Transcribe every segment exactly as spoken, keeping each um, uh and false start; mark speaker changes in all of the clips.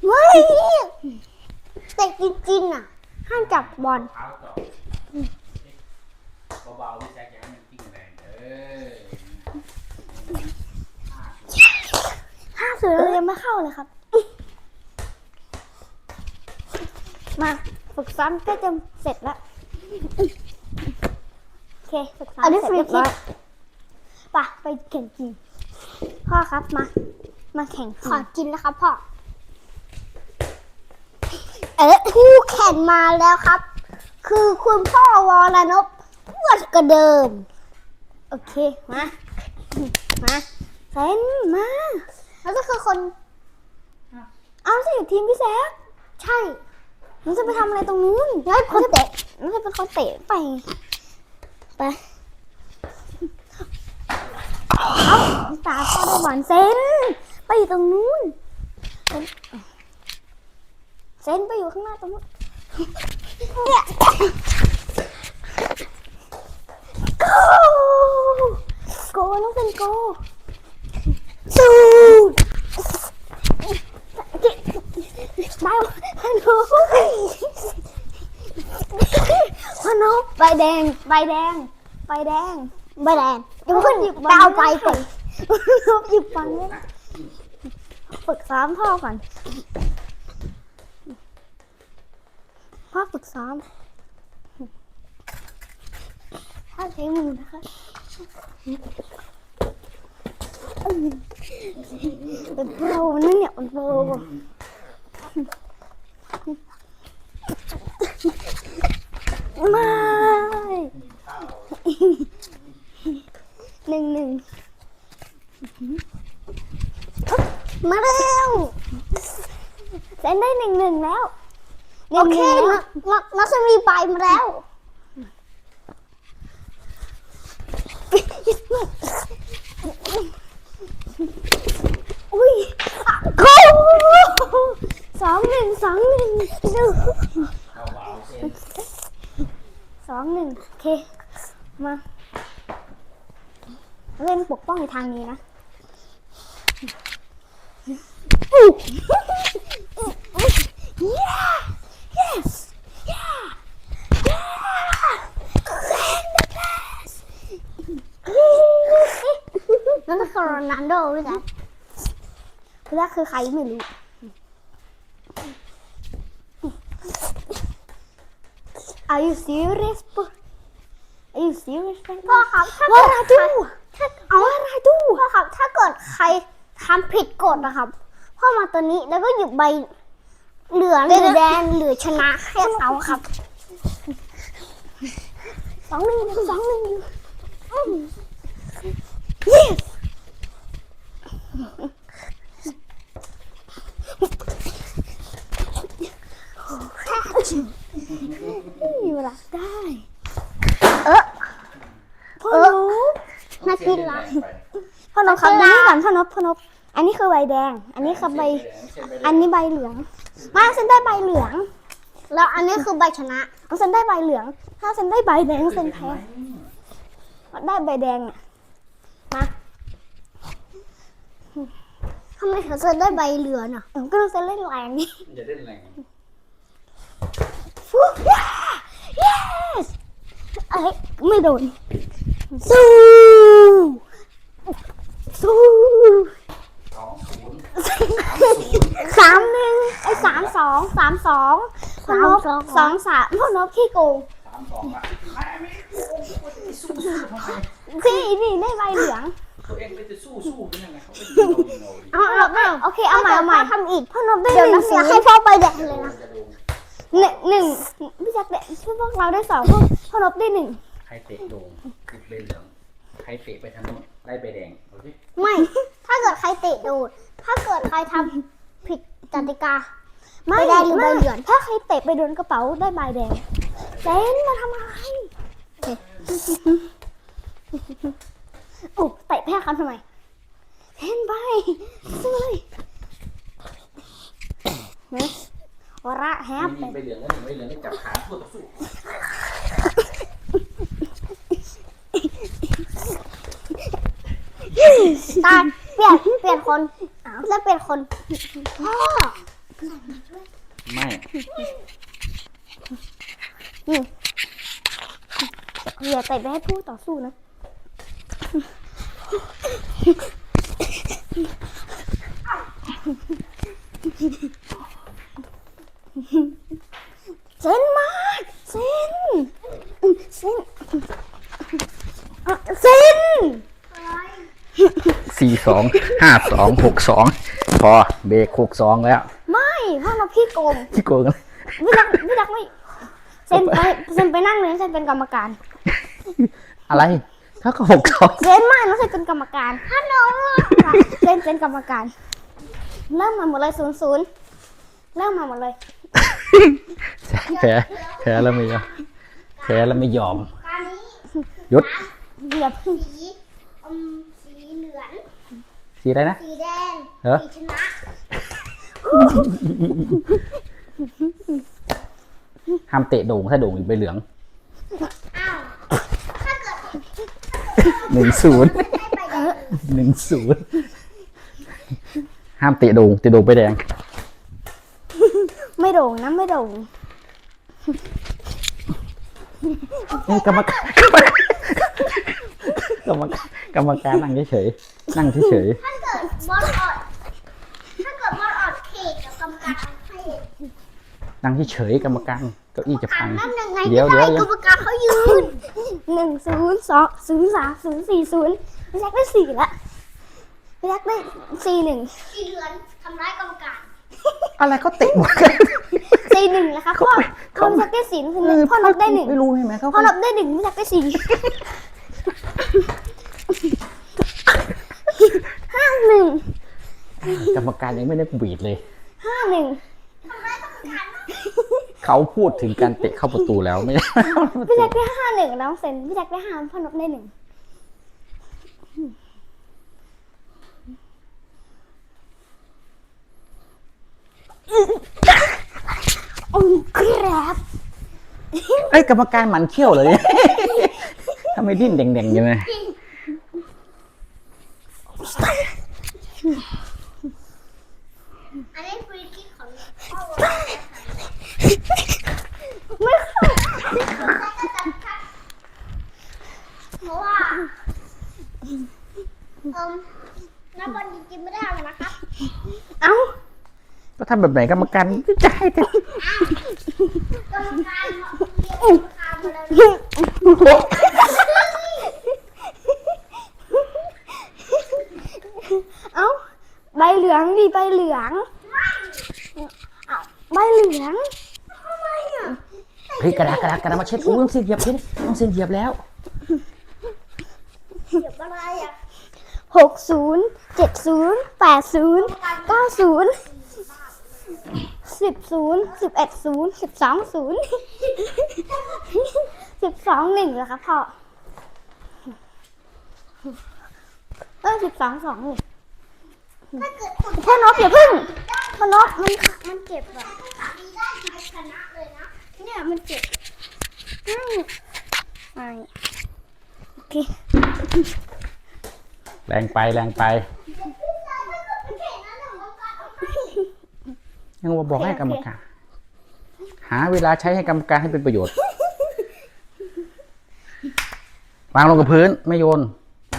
Speaker 1: ไม่แต่จริงๆอ่ะห้ามจับบอล
Speaker 2: เบาๆไม่ใช่แค่มันกิ้งแรงเออ
Speaker 1: ห้าศูนย์เรายังไม่เข้าเลยครับมาฝึกซ้อมก็จะเสร็จแล้วโอเคฝึกซ้อมเสร็จเรียบร้อยป่ะไปแข่งกินพ่อครับมามาแข่งขอกินนะครับพ่อเอ๊ะคู่แข่งมาแล้วครับ คือคุณพ่อวรนพอ้วนกว่าเดิมโอเคมามาเซนมาแล้วก็คือคนเอาสิทีมพี่แซคใช่มันจะไปทำอะไรตรงนู้นแล้วคนเตะมันจะเป็นคนเตะไปไปเอาตาพ่อได้บอลเซนไปอยู่ตรงนู้นเซนเซนไปอยู่ข้างหน้าตรงนู้นเนี่ยโกโกน้องเซนโกสู้ได้พนุพนุใบแดงใบแดงใบแดงใบแดงเดี๋ยวขึ้นหยิบดาวไปก่อนหยิบบอลเลยนะฝึกซ้อมพ่อก่อนพ่อฝึกซ้อมถ้าใช้มือนะคะเป็นโปรนั่นเนี่ยเป็นโปรไม่หนึ่งหนึ่งมาเร็วเซ็นได้หนึ่งหนึ่งแล้วโอเคนักนักสมีไปมาแล้วอุ้ยโค้สองหนึ่งสองหนึ่งสองหนึ่งโอเคมาเล่นปกป้องในทางนี้นะyeah yes yeah yeahนั่นคือโรนัลโดพี่แจ๊คพี่แจ๊คคือใครไม่รู้Are you serious? Are you serious? พ่อครับถ้าเกิดถ้าเอาอะไรดูพ่อครับถ้าเกิดใครทำผิดกฎนะครับพ่อมาตัวนี้แล้วก็หยิบใบเหลืองหรือแดงหรือชนะแค่เขาครับสองหนึ่งสองหนึ่ง yes อยู่หลักได้เออพ่อนบนาทีละพ่อนบครับดูนี่ก่อนพ่อนบพ่อนบอันนี้คือใบแดงอันนี้คือใบอันนี้ใบเหลืองมาเซนได้ใบเหลืองแล้วอันนี้คือใบชนะเซนได้ใบเหลืองถ้าเซนได้ใบแดงเซนแพ้ได้ใบแดงเนี่ยมาทำไมเธอเซนได้ใบเหลืองอ่ะก็เซนเล่นแรงนี่
Speaker 2: อย่าเล่นแรง
Speaker 1: ฟูย่า yes เอ้ยไม่โดนสู้สู้
Speaker 2: สองศูนย์
Speaker 1: สามหนึ่งไอ้สามสองสามสองพ่อนบสองสามพ่อนบขี้โกง
Speaker 2: สามสองอ่ะไม่ไม่สู้สู้ทำไม
Speaker 1: พี่นี่ได้ใบเหลือง
Speaker 2: ตัวเองไปจะสู้สู้เป็นยังไงเขาไปยิงเรายิงเรา
Speaker 1: เอาเอาโอเคเอาใหม่เอาใหม่ทำอีกพ่อนบได้หนึ่งเสียให้พ่อไปแดงเลยนะหนึ่งหนึ่งพี่แจ็คเด็กช่วยพวกเราได้สองพวกพ่อนบได้หนึ่ง
Speaker 2: ใครเตะโด่งคือใบเหลืองใครเตะไปทางโน้นได้ใบแดงโอเค
Speaker 1: ไม่ถ้าเกิดใครเตะโดดถ้าเกิดใครทำผิดกติกาใบแดงหรือใบเหลืองถ้าใครเตะไปโดนกระเป๋าได้ใบแดงเซนมาทำอะไรโอ้เตะแพ้เขาทำไมเซนไปสู้เลยนะวระแฮป
Speaker 2: มีใบเหลืองแล้วหนึ่งใบเหลืองจับขาคู่ต่อสู้
Speaker 1: ตาเปลี่ยนเปลี่ยนคนแล้วเปลี่ยนคนพ่อ
Speaker 2: ไม่
Speaker 1: นี่อย่าเตะไปให้ผู้ต่อสู้นะเซนมาเซนเซนเซน
Speaker 2: สี่สองห้าสองหกสองพอเบรกหกสองแล้ว
Speaker 1: ไม่พ่อเราพี่โกง
Speaker 2: ที่โกงกัน
Speaker 1: พี่รักพี่รักไม่เซนไปเซนไปนั่งเลยเซนเป็นกรรมการ
Speaker 2: อะไรถ้าก็หกสอง
Speaker 1: เซนไม่น้องเซนเป็นกรรมการฮัลโหลเซนเป็นกรรมการเริ่มมาหมดเลยศูนย์ศูนย์เริ่มมาหมดเลย
Speaker 2: แพ้แพ้แล้วไม่ยอมแพ้แล้วไม่ยอมหยุด
Speaker 1: เหยียบ
Speaker 3: สีอมสีเหลือง
Speaker 2: สีอะไรนะ
Speaker 3: สีแดง
Speaker 2: เหรอ
Speaker 3: สีชนะ
Speaker 2: ห้ามเตะโด่งถ้าโด่งอีกใบเหลือง
Speaker 3: อ้าวถ้าเกิด
Speaker 2: หนึ่งศูนย์
Speaker 3: ให้ใบแดง
Speaker 2: หนึ่งศูนย์ห้ามเตะโด่งเตะโด่งใบแดง
Speaker 1: ไม่โด่งนะไม่โด่ง
Speaker 2: เอ้ยกรรมการกรรมการกรรมการนั่งเฉยๆนั่งเฉย
Speaker 3: ถ้าเกิดบอลออดถ้าเกิดบอลออดเขตกับกรรมการให้
Speaker 2: ๆนั่งเฉยๆกรรมการเก้าอี้จะพัง
Speaker 3: นั่นยังไง
Speaker 2: เดี๋ยว
Speaker 3: จะ
Speaker 2: เดี๋ยว
Speaker 3: ให้
Speaker 2: เดี๋
Speaker 3: ก
Speaker 2: ย
Speaker 3: ร
Speaker 2: ว
Speaker 3: รมการเขายืน
Speaker 1: หนึ่งศูนย์สองศูนย์สามศูนย์สี่ศูนย์พี่แจ็คได้สี่ละพี่แจ็คได้สี่หนึ่ง
Speaker 3: สีเหลืองทำร้ายกรรมการ
Speaker 2: อะไรเขาเตะหมดกัน
Speaker 1: สี่หนึ่งนะคะพ่อพ่อพี่แจ็คได้สี่คือหนึ่งพ่อนบได้หนึ่ง
Speaker 2: ไม่รู้ใช่ไหมเขา
Speaker 1: พ่อนบได้หนึ่งพี่แจ็คได้สี่ห้าหนึ่ง
Speaker 2: กรรมการยังไม่ได้บีดเลย
Speaker 1: ห้าหนึ่ง
Speaker 3: ทำร้ายกรรมการมาก
Speaker 2: เขาพูดถึงการเตะเข้าประตูแล้วไม่ใช่
Speaker 1: พี่แจ็คได้ห้าหนึ่งน้องเซนพี่แจ็คได้ห้าพ่อนบได้หนึ่งโอ้ครับ
Speaker 2: ไอ้ยกรรมการหมันเขี้ยวเลย ทำไมดิ้นเด่งๆยังไง
Speaker 3: อันนี้ฟรีคิกของพ่อวอล
Speaker 1: ไม่เข้า
Speaker 3: เพราะว่าเอิ่มนักบอลจริงๆไม่ได้เอานะครับ
Speaker 1: เอ้า
Speaker 2: ก็ทำแบบไหนกรรมการจะให้แต่
Speaker 3: กรรมการเขาเรียกกรรมการมาแล้ว
Speaker 1: เอ้าใบเหลืองดิใบเหลืองเอ้าใบเหลือง
Speaker 3: ทำไมอ่ะ
Speaker 2: เฮ้ยกระดาษกระดาษกระดาษมาเช็ดอุ้ยต้องเสียเหยียบเช็ดต้องเสียเหยียบแล้ว
Speaker 3: เดี๋ยวอะไรอ่ะ
Speaker 1: หกศูนย์เจ็ดศูนย์แปดศูนย์เก้าศูนย์สิบศูนย์สิบเอ็ดศูนย์สิบสองศูนย์สิบสองหนึ่งเหรอคะพ่อเออสิบสองสองเลย
Speaker 3: ถ้าเกิดคุณ
Speaker 1: พ่อนกอย่าพึ่งพ่อนกมันมันเจ็บอ่ะ
Speaker 3: ดีได้ใครชนะเลยนะ
Speaker 1: เนี่ยมันเจ็บอืมไม่โอเค
Speaker 2: แรงไปแรงไป ยังว่าบอกให้กรรมการ หาเวลาใช้ให้กรรมการให้เป็นประโยชน์ วางลงกับพื้นไม่โยน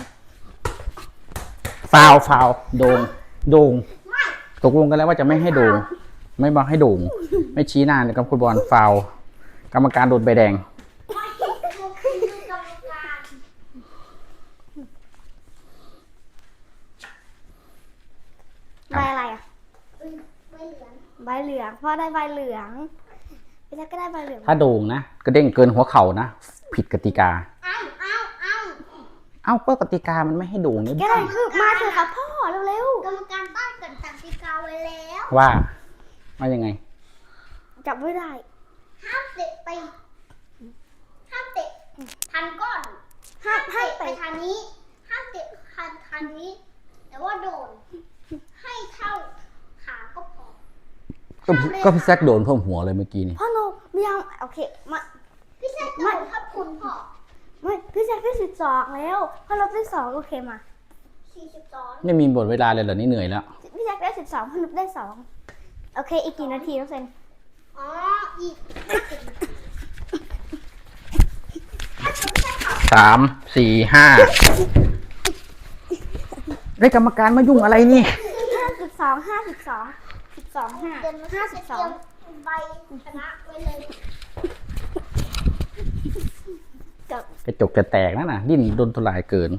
Speaker 2: ฟาวฟาวโด่งโด่งตกลงกันแล้วว่าจะไม่ให้โด่งไม่บอกให้โด่งไม่ชี้หน้ากับคุณบอลฟาวกรรมการโดนใบแดง
Speaker 3: ไม่คือคือกรรมการ
Speaker 1: ใบอะไรอ่ะ
Speaker 3: ไม่เหลือง
Speaker 1: ใบเหลืองพ่อได้ใบเหลืองพี่แจ๊คก็ได้ใบเหลือง
Speaker 2: ถ้าโด่งนะกระเด้งเกินหัวเข่านะผิดกติกา
Speaker 3: เอ้าเอ้าเอ้า
Speaker 2: เอ้าก็กติกามันไม่ให้โด่งนี่
Speaker 1: ก็ได้คือมาเถอะครับพ่อเร็ว
Speaker 3: กรรมการตั้งกติกาไว้แล้ว
Speaker 2: ว่าว่ายังไง
Speaker 1: ๆจับไม่ได้
Speaker 3: ห้ามเตะไปห้ามเตะทันก้อน
Speaker 1: ห้ามให้
Speaker 3: เตะ
Speaker 1: ไป
Speaker 3: ไปทางนี้ห้ามเตะทันทางนี้ แต่ว่าโดน ให้เท่าขาก็พอ
Speaker 2: ก็ก็พี่แซกโดนเพิ่มหัวเลยเมื่อกี้นี่
Speaker 1: พ่อโนไม่เอาโอเคมา
Speaker 3: พี่แซคโดนครับคุณพ่อ
Speaker 1: ไม่พี่แจ๊คได้สิบสองแล้วพ่อลบได้สองโอเคมา
Speaker 3: สี่สิบสอง
Speaker 2: ไม่มีหมดเวลาเลยเหรอนี่เหนื่อยแล้ว
Speaker 1: พี่แจ๊คได้สิบสองพ่อลบได้สองโอเค อีกกี่นาทีน้องเซน
Speaker 3: อ๋ออีก
Speaker 2: สามสี่ห้าได้กรรมการมายุ่งอะไรนี่
Speaker 1: ห้าสิบสองห้าสิบสองสิบสองห้า
Speaker 3: เดี๋ยวมัน
Speaker 1: ห้า
Speaker 3: จะ
Speaker 1: สิบ
Speaker 3: เต
Speaker 1: ส
Speaker 3: รี
Speaker 1: อย ง
Speaker 3: มใบชนะไว้เลย
Speaker 1: จบ
Speaker 2: กระจกจะแตกนะน่ะดิ้นโดนทลายเกิน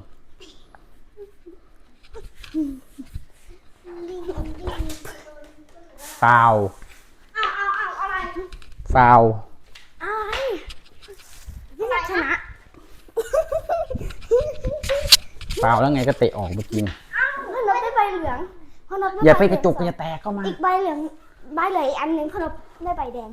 Speaker 2: ฟาว
Speaker 3: เอาเอาเอาอะไร
Speaker 2: ฟาว
Speaker 1: อะไรพี่แซคชนะ
Speaker 2: ฟาวแล้วไงก็เตะออกเมื่อกี้นี่
Speaker 1: พ่อนบได้ใบเหลืองพ่อนบด้
Speaker 2: อย่าไป
Speaker 1: ใบ
Speaker 2: กระจก
Speaker 1: เหลื
Speaker 2: อ
Speaker 1: อง
Speaker 2: ย่าแตกเข้ามา
Speaker 1: อีกใบเหลืองใบเหลืองอีกอันหนึ่งพ่อนบได้ใบแดง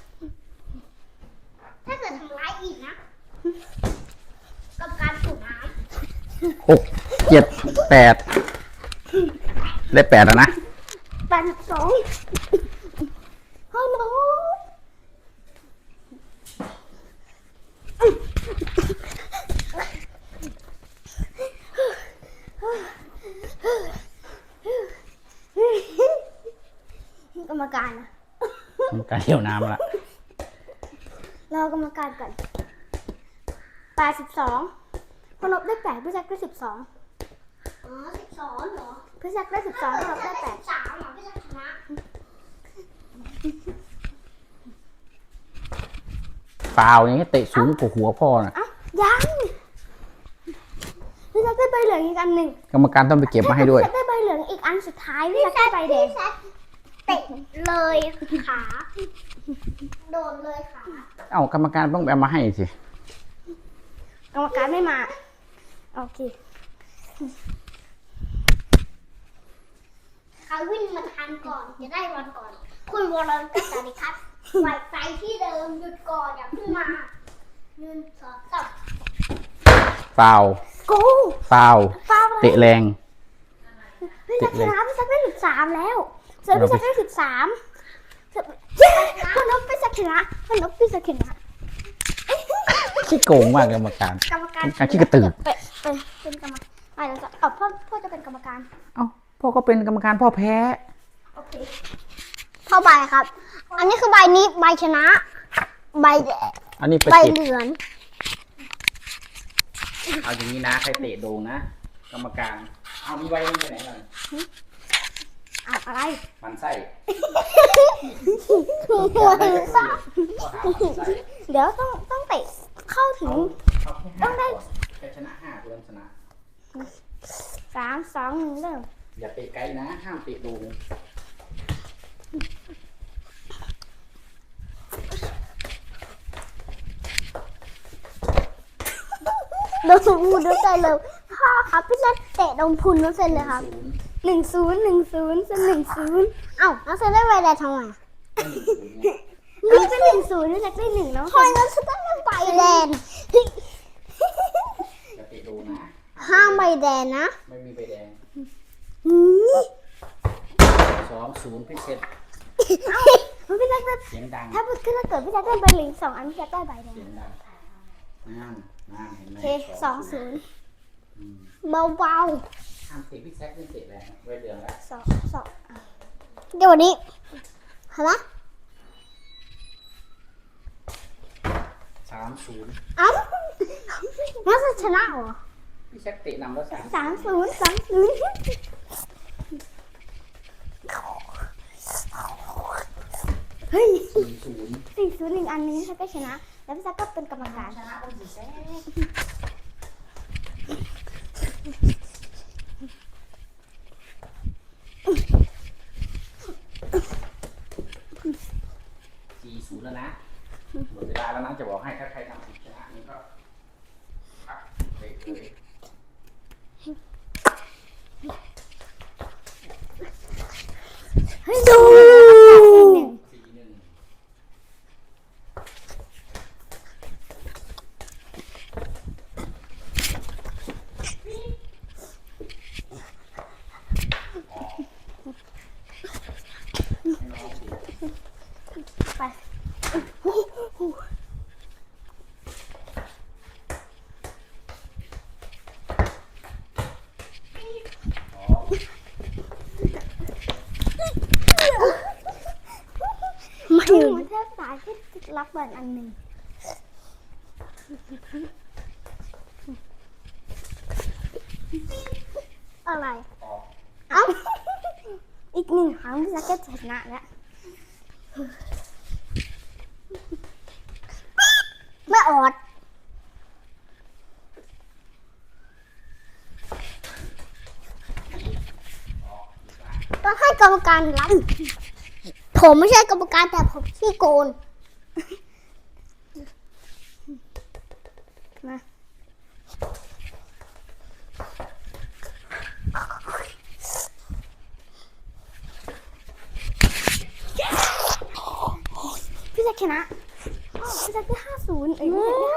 Speaker 3: ถ้าเกิดทำร้ายอีกนะกับการสูบน้
Speaker 2: หกเจ็ดแปดได้แปดแล้วนะ
Speaker 1: แปดสิบสองพ่อนบกรรมการนะ
Speaker 2: กรรมการเดี่ยวน้ำละ
Speaker 1: รอกรรมการก่อนแปดสิบสองพอนบได้แปดพี่แซคได้สิบสอง
Speaker 3: ำอ๋อสิบสองเหรอ
Speaker 1: พี่แซคได้สิบสองพอนบได้แปด
Speaker 3: สามเหรอพี่จะชนะ
Speaker 2: ฟาวอย่างนี้เตะสูงกว่าหัวพ่อน่ะ
Speaker 1: เอ้ายังพี่แซคได้ใบเหลืองอีกอันหนึ่ง
Speaker 2: กรรมการต้องไปเก็บมาให้ด้วย
Speaker 1: พี่แซคได้ใบเหลืองอีกอันสุดท้ายพี่แซคได้ใบแดง
Speaker 3: พี่แซคเตะเลยขา โดนเลยขา
Speaker 2: เอ้ากรรมการต้องเอามาให้สิ
Speaker 1: กรรมการไม่มาโอเค
Speaker 3: ใครวิ่งมาทันก่อนจะได้บอลก่อน คุณวรนกับสาริคัตไว้ไปที่เดิมหยุดก่อนอย่าเพิ่งมาหนึ่งสองสาม
Speaker 2: ฟาว
Speaker 1: กู
Speaker 2: ฟาว
Speaker 1: ฟาวอะไร
Speaker 2: เตะแรง
Speaker 1: พี่แซคชนะพี่แซคได้สิบสามแล้วเสือ
Speaker 2: เรา
Speaker 1: พี่
Speaker 2: ไป
Speaker 1: แซคได้สิบสามเย้พอนบพี่แซคชนะพอนบพี่แซคชนะ
Speaker 2: ขี้โกงมากกรรมการ
Speaker 1: กรรมการ
Speaker 2: การขี้กระตือ
Speaker 1: เป็นเป็นเป็นกรรมการอ่ะเดี๋ยวจะเอาพ่อพ่อจะเป็นกรรมการ
Speaker 2: เอ้าพ่อก็เป็นกรรมการพ่อแพ้
Speaker 1: โอเค
Speaker 3: เข้าใบครับ อันนี้คือใบนี้ใบชนะ ใบแดง
Speaker 2: อันนี้ไป
Speaker 3: ใบ
Speaker 2: เก็บ
Speaker 3: เหลือง
Speaker 2: เอาอย่างนี้นะใครเตะโดงนะ กรรมการ เอามีไว้ไปไหนหน่อย
Speaker 1: อ่ะอะไร
Speaker 2: มันไส้
Speaker 3: หัวซ่า
Speaker 1: เดี๋ยวต้องต้องเตะเข้าถึง
Speaker 2: เอาแค่ห้าก่อนแค่ชนะห้าตัวชนะ
Speaker 1: สามสองหนึ่งเริ่ม
Speaker 2: อย่าเตะไกลนะ ห้ามเตะโดง
Speaker 3: โดนพูดด้วยใจเลยพ่อครับพี่แซคเตะโดนพุนน้องเซนเลยครับ
Speaker 2: ศูนย์
Speaker 1: หนึ่งศูนย์หนึ่งศูนย์เป็นหนึ่งศูนย์
Speaker 3: เอ้าน้องเซนได้ใบแดงทำไม
Speaker 2: หนึ่งศูนย์เนี่ย
Speaker 1: นี่เป็นหนึ่งศูนย์นี่แซคได้หนึ่งแล้ว
Speaker 3: ทำไมน้องเซนได้ใบแดง
Speaker 2: อย่าเตะโดงนะ
Speaker 3: ห้ามใบแดงนะ
Speaker 2: ไม่มีใบแดง
Speaker 1: อืม
Speaker 2: สองศูนย์พิเศษ
Speaker 1: มันพี่แซคได้
Speaker 2: เสียงดัง
Speaker 1: ถ้าถ้าเกิดพี่แซคได้ใบเหลืองสองอันพี่แซคได้ใบแดง
Speaker 2: เสียงดังน้ำน้ำเห็นไหม
Speaker 1: โอเคสองศูนย์
Speaker 2: อืม
Speaker 3: เบา
Speaker 2: ห้ามเตะพี่แซคไม่เตะแรงไว้เดือนแล้ว
Speaker 1: สองสองอ่ะ
Speaker 3: ๆเดี๋ยววันนี้เห็นไหม
Speaker 2: สามศูนย์
Speaker 3: เอ้าน้องเซนชนะเหรอ
Speaker 2: พี่แซคเตะนำแล้วสาม
Speaker 1: สามศูนย์สามศูนย์เฮ้ย
Speaker 2: สี่ศูนย์
Speaker 1: สี่ศูนย์หนึ่งอันนี้พี่แซคก็ชนะ แล้วพี่แซคก็เป็นกรรมการ
Speaker 2: ชนะต้องสี่แซคสี่ศูนย์แล้วนะหมดเวลาแล้วนะจะบอกให้ถ้าใครทำผิดชนะนี่ก็พักเบรกเลย
Speaker 1: เฮ้ยดูหนึ่ง
Speaker 2: สี่หนึ่ง
Speaker 1: ไปายที่รับบอลอันหนึ่งอะไร เอ้า อีกหนึ่งครั้งพี่แจ็คก็ชนะแล้วไม่ออดต้องให้กรรมการรับ ผมไม่ใช่กรรมการแต่ผมขี้โกนมาพี่แจ็คชนะพี่แจ็คได้ห้าศูนย์เอ้ยพี่แจ็คได้